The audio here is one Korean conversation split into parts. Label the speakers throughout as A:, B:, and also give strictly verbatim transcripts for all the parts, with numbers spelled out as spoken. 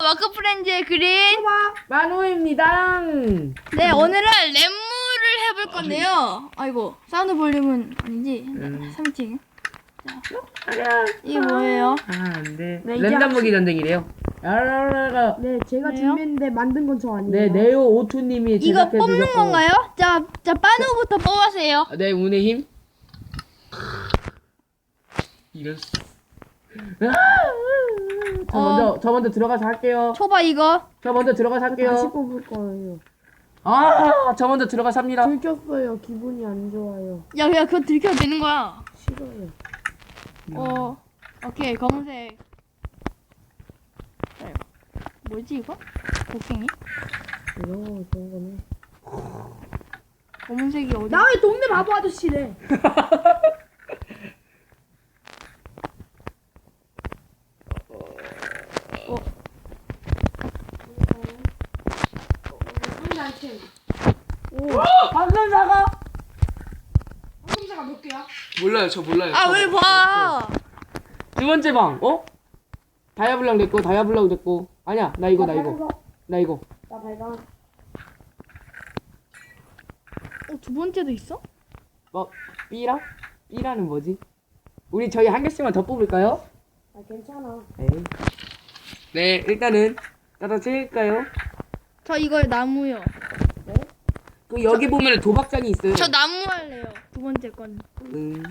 A: 워크프렌즈의 그린
B: 만호입니다.
A: 네 오늘은 랩무를 해볼 건데요. 아이고 사운드 볼륨은 아니지.
B: 음.
A: 삼팅
B: 아니야.
A: 이게 뭐예요?
B: 아, 안 돼.
C: 네, 이제
B: 랜덤
C: 합시-
B: 무기 전쟁이래요. 야라라라.
C: 네, 제가
A: 왜요?
C: 준비했는데 만든 건 저 아니에요.
B: 네, 네오 오투님이
A: 이거
B: 제작해
A: 뽑는
B: 주셨고.
A: 건가요? 자, 자 빠누부터 뽑으세요.
B: 네, 운의 힘. 이런. 저
A: 어.
B: 먼저 저 먼저 들어가서 할게요.
A: 초바 이거.
B: 저 먼저 들어가서
C: 다시
B: 할게요.
C: 뽑을 거예요.
B: 아, 저 먼저 들어가서 합니다.
C: 들켰어요. 기분이 안 좋아요.
A: 야, 야 그거 들켜도 되는 거야.
C: 싫어요.
A: 어, 오케이 검은색. 자, 뭐지 이거? 곡괭이?
C: 이런 거 좋은 거네.
A: 검은색이 어디?
C: 나 왜 동네 바보 아저씨래?
A: 어,
C: 상단팀.
B: 방금 사과.
C: 상자가 몇 개야?
B: 몰라요, 저 몰라요.
A: 아 왜 봐?
B: 두 번째 방, 어? 다이아블랑 됐고, 다이아블랑 됐고. 아니야, 나 이거, 나 이거, 나 이거.
C: 나 발광.
A: 어, 두 번째도 있어?
B: 뭐, B랑? B라는 뭐지? 우리 저희 한 개씩만 더 뽑을까요?
C: 아 괜찮아.
B: 네. 네, 일단은 따다 찍을까요?
A: 저 이거 나무요.
B: 그 여기 보면 도박장이 있어요.
A: 저 나무 할래요. 두 번째 건.
B: 음.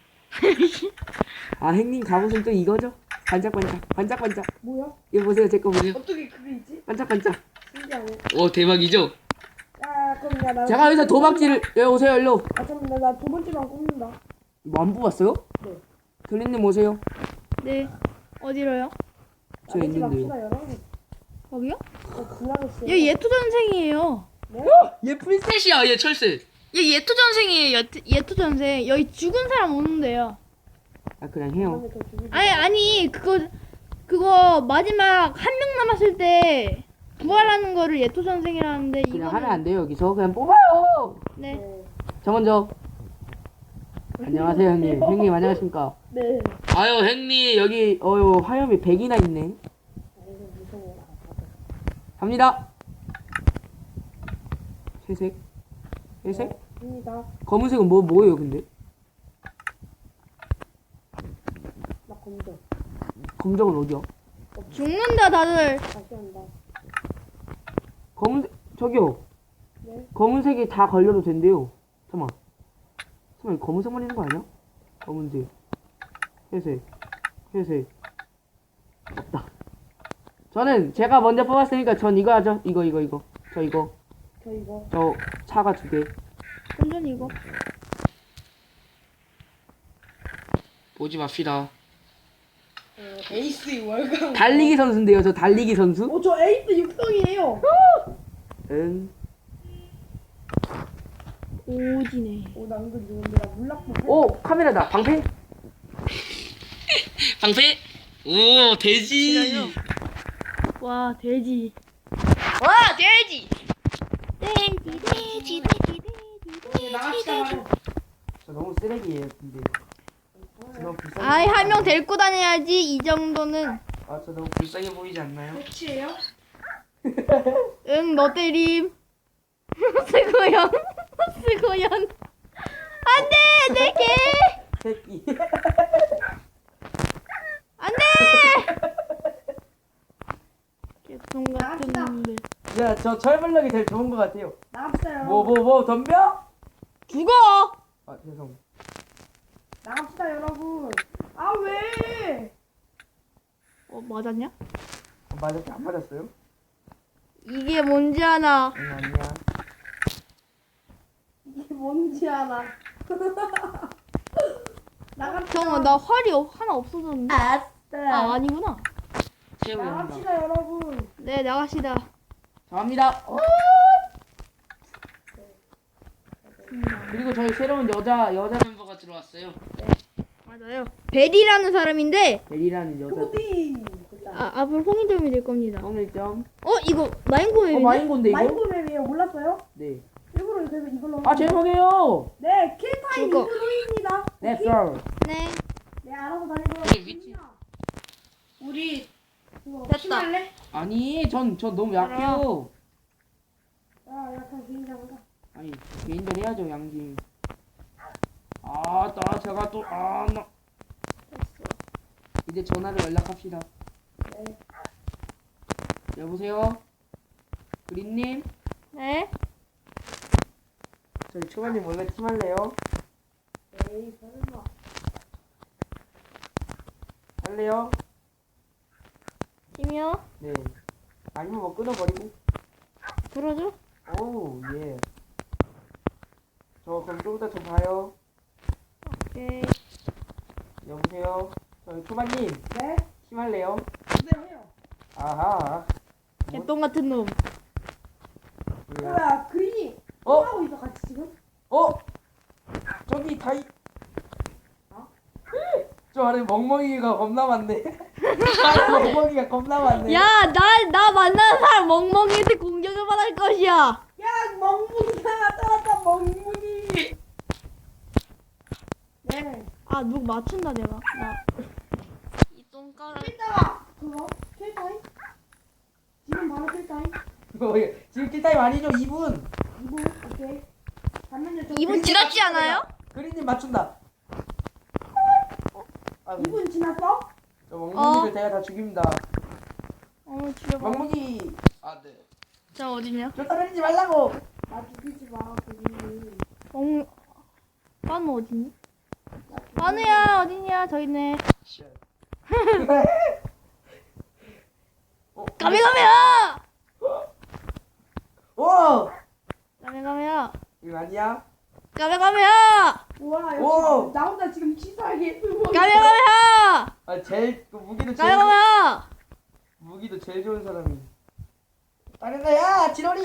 B: 아, 형님 갑옷은 또 이거죠? 반짝반짝, 반짝반짝.
C: 뭐야?
B: 이거 보세요, 제 거 보세요.
C: 어떻게 그게 있지?
B: 반짝반짝.
C: 신기하네.
B: 오, 대박이죠?
C: 야 그럼 야 나.
B: 제가 여기서 도박지를, 여기 오세요, 일로.
C: 아 잠깐만 나두 번째만 꼽는다.
B: 뭐 안 뽑았어요?
C: 네.
B: 들린님 오세요.
A: 네. 어디로요?
B: 저
C: 아니지
B: 있는데요.
C: 맙시다 여러분.
A: 거기요?
C: 저 불안했어요.
A: 얘 예토전생이에요.
C: 네?
B: 얘 프린셋이야, 얘 철새.
A: 얘 예토전생이에요. 예토, 예토전생. 여기 죽은 사람 오는데요.
B: 아, 그냥 해요.
C: 다음에 더 죽이지.
A: 아니 아니 그거 그거 마지막 한 명 남았을 때 부활하는 거를 예토전생이라는데
B: 그냥
A: 이거는
B: 하면 안 돼요, 여기서. 그냥 뽑아요.
A: 네.
C: 네.
B: 저 먼저. 안녕하세요, 형님. 형님, 안녕하십니까.
C: 네.
B: 아유, 형님, 여기, 어유 화염이 백이나 있네.
C: 아이고 무서워.
B: 갑니다. 회색. 회색?
C: 입니다.
B: 검은색은 뭐, 뭐예요, 근데?
C: 나 검정.
B: 검정은 어디야?
A: 죽는다 다들.
C: 다시 한다.
B: 검은색, 저기요.
C: 네.
B: 검은색이 다 걸려도 된대요. 잠깐만. 잠깐만, 이거 검은색만 있는 거 아니야? 검은색. 회색. 회색. 없다. 저는 제가 먼저 뽑았으니까 전 이거 하죠. 이거, 이거, 이거. 저 이거.
C: 저 이거.
B: 저 차가 두 개.
A: 완전 이거.
B: 보지 맙시다.
C: 어, 에이스 월강.
B: 달리기 선수인데요, 저 달리기 선수?
C: 어, 저 에이스 육성이에요.
B: 응.
A: 오지네.
C: 오, 나 은근 좋은데 나 물락보.
B: 오, 카메라다. 방패? 방패? 오, 돼지.
A: 와 돼지. 와 돼지. 돼지 돼지 돼지 돼지 돼지
C: 나갑시다 바로.
B: 저 너무 쓰레기예요, 근데. 저 너무 불쌍해.
A: 아이 한 명 데리고 다녀야지 이 정도는.
B: 아, 저 너무 불쌍해 보이지 않나요?
C: 끝이에요?
A: 응 너 때림. 스고연 스고연. 안돼 내 개.
B: 새끼.
A: 안돼. 개똥 같은 놈들.
B: 야, 저 철블럭이 제일 좋은 것 같아요.
C: 나갑시다
B: 뭐,
C: 여러분.
B: 뭐, 뭐, 덤벼?
A: 죽어.
B: 아, 죄송.
C: 나갑시다 여러분. 아 왜?
A: 어 맞았냐?
B: 아, 맞았지? 안 맞았어요?
A: 이게 뭔지 아나.
B: 아니, 아니야.
C: 이게 뭔지 알아. 나갑시다.
A: 잠깐만 나 활이 없- 하나 없어졌는데.
C: 아싸.
A: 아 아니구나.
B: 최후의 한방.
C: 나갑시다 여러분.
A: 네 나가시다.
B: 자, 갑니다. 그리고 저희 새로운 여자, 여자 멤버가 들어왔어요.
A: 맞아요. 벨이라는 사람인데
B: 베리라는 여자.
C: 코디.
A: 아 앞으로 홍인점이 될 겁니다.
B: 오늘점.
A: 어 이거 마인코웨이네.
B: 어, 마인건데, 이거?
C: 마인드맵이에요. 몰랐어요?
B: 네.
C: 일부러 그래서 이걸로.
B: 아, 죄송해요.
C: 네, 킬타임
A: 이거.
C: 이브로입니다.
B: 네, 썰.
A: 네.
C: 네, 알아서 다니고요.
B: 위치.
C: 우리 이거
A: 됐다.
C: 심할래?
B: 아니 전 전 너무 약해요.
C: 야 약간 개인장가.
B: 아니 개인전 해야죠 양심. 아나 제가 또 아 나
A: 됐어.
B: 이제 전화를 연락합시다.
C: 네.
B: 여보세요? 그린님?
A: 네?
B: 저희 초반님 원래 팀할래요?
C: 에이 설마.
B: 할래요?
A: 팀이요?
B: 네. 아니면 뭐 끊어버리고.
A: 들어줘?
B: 오우 예. 저 그럼 좀 이따 저 봐요.
A: 오케이.
B: 여보세요? 저희 초반님
C: 네?
B: 팀할래요?
C: 네 해요.
B: 아하.
A: 개똥 같은 놈.
B: 뭐야?
C: 뭐야 그린이
B: 어?
C: 하고 있어 같이 지금?
B: 어? 저기 다이
C: 어?
B: 저 안에 멍멍이가 겁나 많네. 안에 멍멍이가 겁나 많네.
A: 야, 나, 나 만나는 사람 멍멍이한테 공격을 받을 것이야.
C: 야 멍뭉이가 나타났다 멍뭉이. 네.
A: 아, 누구 맞춘다, 내가. 나. 이 똥가락.
C: 이따가 그거 킬타임? 지금 바로 킬타임?
B: 어, 예. 지금 킬타임 아니죠? 이 분.
C: 이분 오케이. 잠깐만요. 저
A: 이 분
C: 그린-
A: 지났지 않아요?
B: 그린님 맞춘다. 아,
C: 이 분 지났어?
B: 저 멍멍이들
A: 어.
B: 제가 다 죽입니다.
A: 어, 죽여봐.
B: 멍멍이. 아 네.
A: 자, 어디냐?
B: 저 따르지 말라고.
C: 나 죽이지 마 그린이.
A: 멍, 빠누 어디니? 빠누야, 어디냐? 저 있네.
B: 어,
A: 까메가메야!
B: 오!
A: 까메가메야!
B: 이거 아니야?
A: 까메가메야!
C: 우와 역시
B: 오!
C: 나 혼자 지금 치사하게 들고 있어.
A: 까메가메야!
B: 아 제일 그 무기도 제일
A: 까메가메야!
B: 무기도 제일 좋은 사람이. 다른 거야, 지돌이.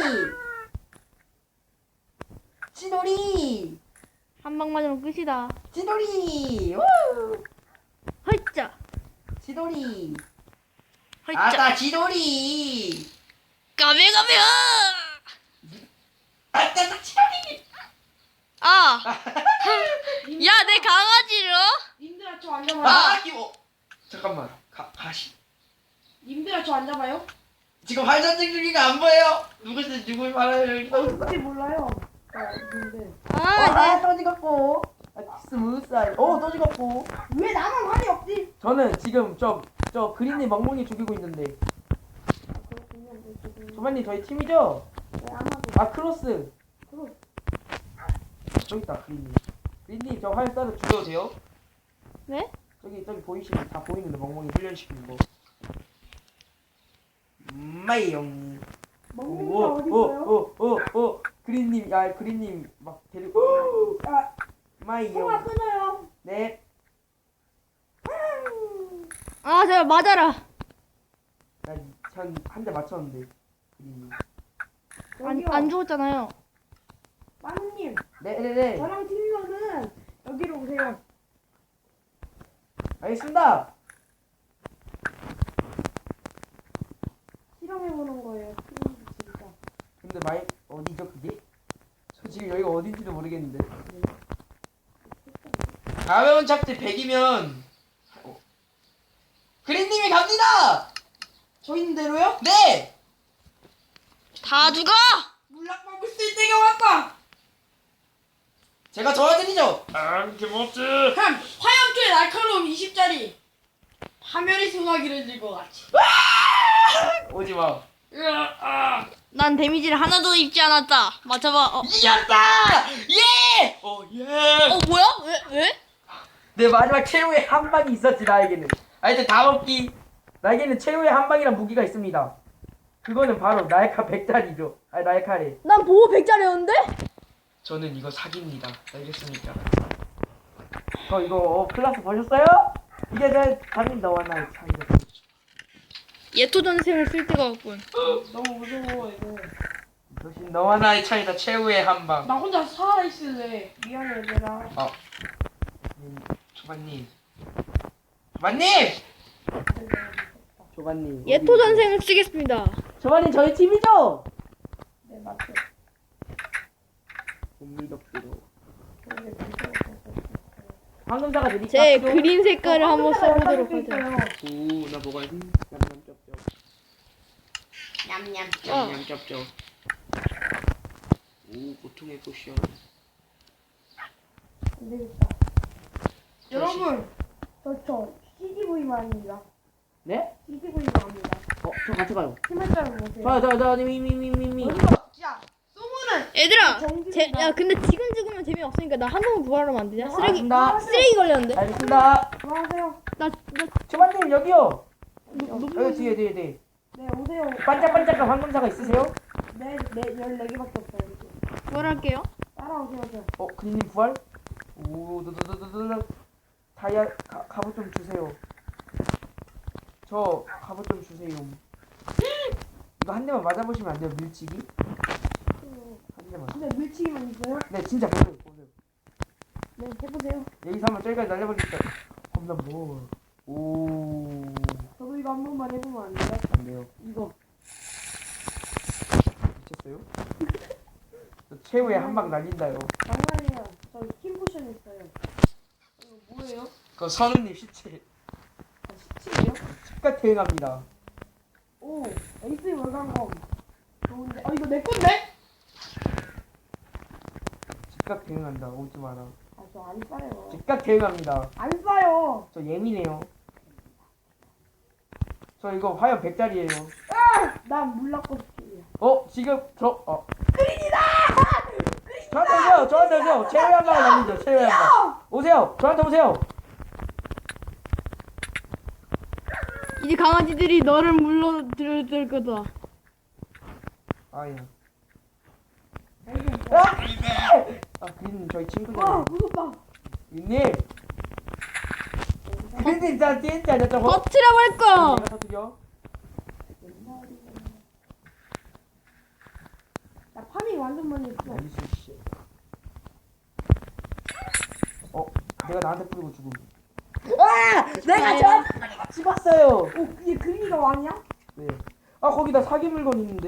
B: 지돌이.
A: 한 방 맞으면 끝이다.
B: 지돌이. 우!
A: 헐짜!
B: 지돌이.
A: 헐짜!
B: 아따 지돌이.
A: 까메가메야!
B: 아따 나 지돌이.
A: 아! 야, 내 강아지를?
C: 님들아 저 앉아봐요.
B: 아 이거. 잠깐만. 가 가시.
C: 님들아 저 앉아봐요.
B: 지금 활전쟁 중이가 안 보여요. 누구지 누굴 말하요 여기 또 있어.
C: 혹시 몰라요. 자 님들.
A: 아,
B: 아,
A: 네.
B: 또 찍었고. 아, 스무스하게. 오, 또 찍었고.
C: 왜 나만 활이 없지?
B: 저는 지금 저, 저 그린님 멍멍이 죽이고 있는데.
C: 아 그렇군요. 네, 지금.
B: 조만님 저희 팀이죠?
C: 네 아마도.
B: 아, 크로스.
C: 그럼
B: 저기 있다, 그린님. 그린님, 저 활 쏴도 죽여도 돼요?
A: 네?
B: 저기, 저기 보이시는, 다 보이는데 멍멍이 훈련시키는 거. 마이용.
C: 멍뭉이가 어디
B: 오,
C: 있어요?
B: 오, 오, 오. 그린님, 아, 그린님 막 데리고.
C: 아 통화
B: 마이용.
C: 끊어요.
B: 네.
A: 아, 제발 맞아라.
B: 난한 대 맞췄는데. 그린님.
A: 안,
C: 여기요.
A: 안 죽었잖아요.
C: 마누님
B: 네네네.
C: 저랑 팀원은 여기로 오세요.
B: 알겠습니다.
C: 실험해보는 거예요. 팀원 진짜.
B: 근데 마이 어디죠 그게? 저 지금 여기가 어딘지도 모르겠는데. 가벼운 착지 백이면 그린님이 갑니다.
C: 저 있는 대로요?
B: 네.
A: 다 죽어!
C: 물락먹을 쓸 때가 왔다.
B: 제가 도와드리죠. 안 김없지.
C: 한 화염투의 날카로움 이십짜리 파멸의 소나기를 들고 왔지.
B: 오지 마.
C: 으아,
A: 난 데미지를 하나도 입지 않았다. 맞춰봐. 어,
B: 이겼다. 예. 오 예.
A: 어 뭐야? 왜? 왜?
B: 내 마지막 최후의 한 방이 있었지 나에게는. 아 이제 다 먹기. 나에게는 최후의 한 방이란 무기가 있습니다. 그거는 바로 나이카 백짜리죠. 아니 나이카래.
A: 난 보호 백짜리였는데?
B: 저는 이거 사기입니다. 알겠습니까? 저 이거 어, 클라스 보셨어요? 이게 제 담임 너와 나의 차이다.
A: 예토전생을 쓸 데가 없군.
C: 너무 무서워 이거.
B: 역시 너와 나의 차이다. 최후의 한 방.
C: 나 혼자 살아있을래. 미안해 얘들아.
B: 아, 음, 조반님. 조반님. 조반님.
A: 예토전생을 쓰겠습니다.
B: 조반님 저희 팀이죠?
C: 네 맞죠.
B: 곰미덕기로.
C: 그런데 무서워.
B: 황금사가 드릴까?
A: 제
B: 필요?
A: 그린 색깔을 한번 써보도록
C: 수
A: 하자.
C: 있어요.
B: 오, 나 먹어야지. 냠냠 쩝쩝.
C: 냠냠.
A: 어.
B: 냠냠 쩝쩝. 오, 고통의 포션.
D: 안 되겠다.
C: 여러분,
D: 저, 저, 씨지브이만입니다.
B: 네?
D: 씨지브이만입니다.
B: 어, 저 같이 가요.
D: 팀한자를 보세요.
B: 저, 저, 저, 미, 미, 미, 미, 미.
C: 어디서 진짜 소문은
A: 얘들아,
D: 정규
A: 제, 야 근데 지금 죽으면 재미없으니까 나 한 번만 부활하면 안 되냐? 쓰레기
B: 알겠습니다.
A: 쓰레기 걸렸는데.
B: 알겠습니다.
D: 뭐 하세요?
A: 나, 나
B: 주만님 여기요.
D: 너,
B: 여기 뒤에, 뒤에, 뒤에.
D: 네, 오세요.
B: 반짝반짝한 황금사가 있으세요?
D: 네, 네, 열네 개밖에 없어요. 이제.
A: 부활할게요.
D: 따라오세요, 저.
B: 어, 그님 부활? 오, 드드드드드. 다이아 가, 갑옷 좀 주세요. 저 갑옷 좀 주세요. 이거 한 대만 맞아보시면 안 돼요, 밀치기? 한 대만.
D: 근데 밀치기만 있어요?
B: 네, 진짜 보세요, 보세요.
D: 네, 해보세요.
B: 여기서 한번 저기까지 날려버리니까 겁나 뭐. 오,
D: 저도 이거 한 번만 해보면 안 돼요?
B: 안 돼요.
D: 이거.
B: 미쳤어요? 저 최후의 한 방 날린다요.
D: 장난이에요. 저 킴포션 있어요. 이거 뭐예요?
B: 그 선우님 시체.
D: 아, 십칠이요?
B: 즉각 대응합니다.
D: 오, 에이스 월간검. 좋은데. 아, 이거 내 건데?
B: 즉각 대응한다. 오지 마라.
D: 아, 저 안 싸요.
B: 즉각 대응합니다.
D: 안 싸요.
B: 저 예민해요. 저 이거 화염 백짜리예요.
D: 난 물락고 스킬이야.
B: 어 지금 저 어. 그린이다. 저한테 오세요. 저한테 오세요. 최후의 한 방을 날리죠. 최후의 한 방. 오세요. 저한테 오세요.
A: 이제 강아지들이 너를 물러들 거다.
B: 아야.
D: 에이스.
B: 아 그린 저희
D: 와,
B: 친구잖아요.
D: 무섭다.
B: 그린님. 그린님 진짜 진짜 저 저거.
A: 터트려 볼 거.
B: 내가 터뜨려.
D: 나 파밍 완전 많이 했어.
B: 나이스 씨. 어 내가 나한테 뿌리고 죽음. 아 내가 저 집었어요.
D: 오, 이게 그린이가 왕이야?
B: 네. 아 거기다 사기 물건 있는데.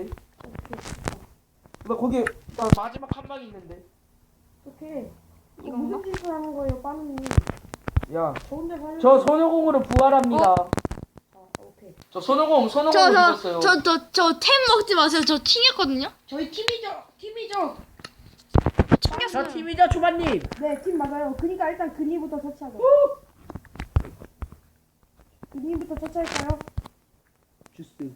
B: 나 거기 나 마지막 한 방 있는데.
D: 어떡해. 이거
A: 이건가?
D: 무슨 짓을 하는 거예요, 빠누님?
B: 야,
D: 저 혼자 살려.
B: 저 손오공으로 부활합니다.
D: 아, 오케이.
B: 저 손오공 손오공으로 죽었어요.
A: 저 저 저 템 먹지 마세요. 저 튕겼거든요.
C: 저희 팀이죠. 팀이죠.
A: 튕겼어요.
B: 저 팀이죠, 초반님.
D: 네, 팀 맞아요. 그니까 일단 그린이부터 터치하자. 그린이부터 터치할까요?
B: 주스.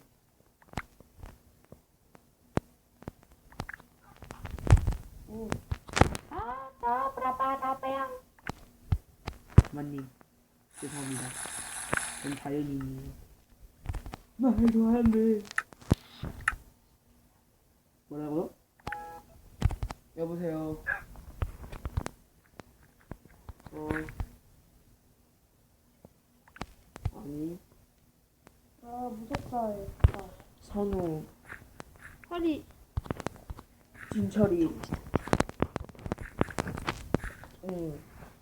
D: 오.
B: 초반님, 죄송합니다. 전 자연인이에요. 말도 안 돼. 뭐라고요? 여보세요. 어. 아니,
D: 아, 무섭다. 아,
B: 선우,
A: 허리
B: 진철이. 응.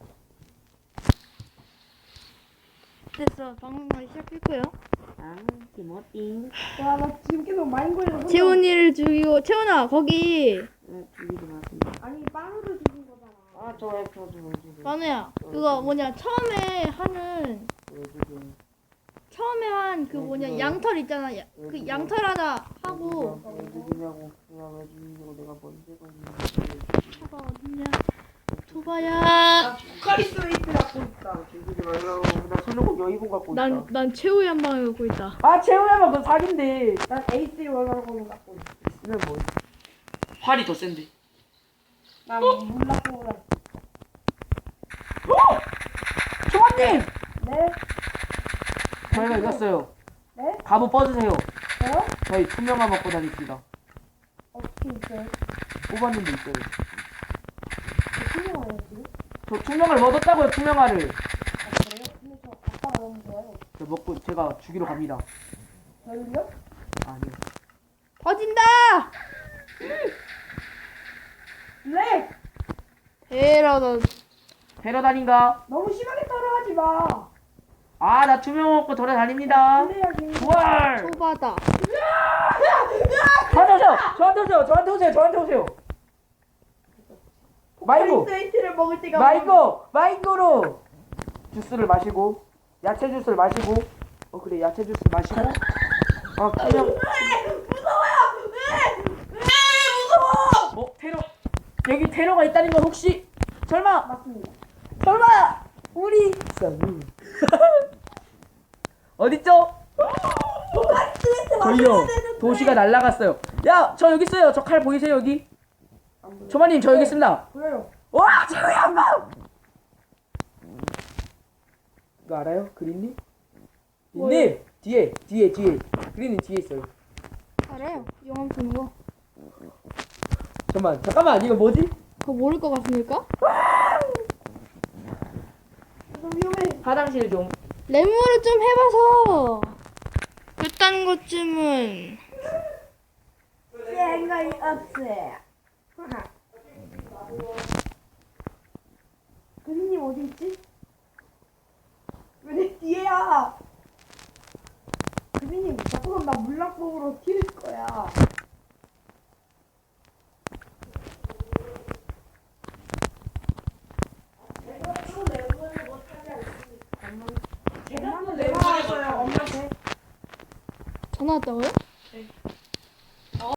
A: 됐어. 방송을 시작했고요.
B: 아, 김어띵.
D: 와, 나 지금 계속 마인골드 혼자-
A: 채원이를 죽이고 채원아 거기
B: 응, 죽이지 마세요.
D: 아니, 빵으로 죽인 거잖아.
B: 아, 저 왜, 저, 저, 왜 죽여?
A: 만우야 그거 뭐냐 처음에 하는
B: 왜 죽여?
A: 처음에 한 그 뭐냐 양털 있잖아. 야- 그 양털 하나 하고
B: 왜 죽이냐고. 그냥 왜 죽이냐고. 내가 먼저 가지고.
A: 토바 어딨냐? 토바야.
C: 포카리스웨이트 갖고 있다.
B: 죽이지 말라고. 나 손오공 여의봉 갖고 있다.
A: 난 난 최후의 한 방을 갖고 있다.
B: 아, 채우야만 그 사기인데.
D: 난 에이스 월간검을 갖고 있어.
B: 있으면 뭐. 활이 더 센데.
D: 난 물락고랑.
B: 초반님!
D: 네?
B: 저희가 이겼어요.
D: 네?
B: 갑옷 뻗으세요.
D: 저요?
B: 저희 투명화 먹고 다닙시다.
D: 어떻게 있어요?
B: 뽑았는데 있어요.
D: 저 투명해요, 지금?
B: 저 투명을 얻었다고요, 투명화를.
D: 아, 그래요? 근데 저 아빠가 너무 좋아요.
B: 저 먹고 제가 죽이러 갑니다.
D: 저를요?
B: 아니요.
A: 터진다.
D: 네!
A: 에라다.
B: 데려다닌가?
D: 너무 심하게 따라하지 마!
B: 아, 나 투명 먹고 돌아다닙니다.
D: 그래야지.
B: 부활!
A: 토바다.
B: 저한테 오세요! 저한테 오세요! 저한테 오세요! 저한테 오세요! 마이고!
D: 포카리스웨이트를 먹을 때가
B: 마이고! 마이고로! 주스를 마시고 야채 주스를 마시고 어 그래 야채 주스 마시고 아 그냥 어 테러 여기 테러가 있다는 건 혹시 설마
D: 맞습니다.
B: 설마 우리 쌍우 어딨죠? 저희요 도시가 날라갔어요. 야 저 여기 있어요. 저 칼 보이세요 여기?
D: 안 보여요.
B: 조마님 저 여기 있습니다.
D: 보여요.
B: 와 저기 한방 이거 알아요? 그린님? 님 뒤에 뒤에 뒤에 그린님 뒤에 있어요.
A: 알아요. 영화 보는 거.
B: 잠깐만 잠깐만 이거 뭐지?
A: 그거 모를 것 같습니까?
D: 좀 위험해.
B: 화장실 좀
A: 레모를 좀 해봐서 그딴 것쯤은
D: 생각이 없어요. 그린님 어디 있지? 왜 내 뒤에야? 그린님 자꾸 나 물락봉으로 튀을 거야. 엄마, 엄마한테
A: 전화 왔다고요?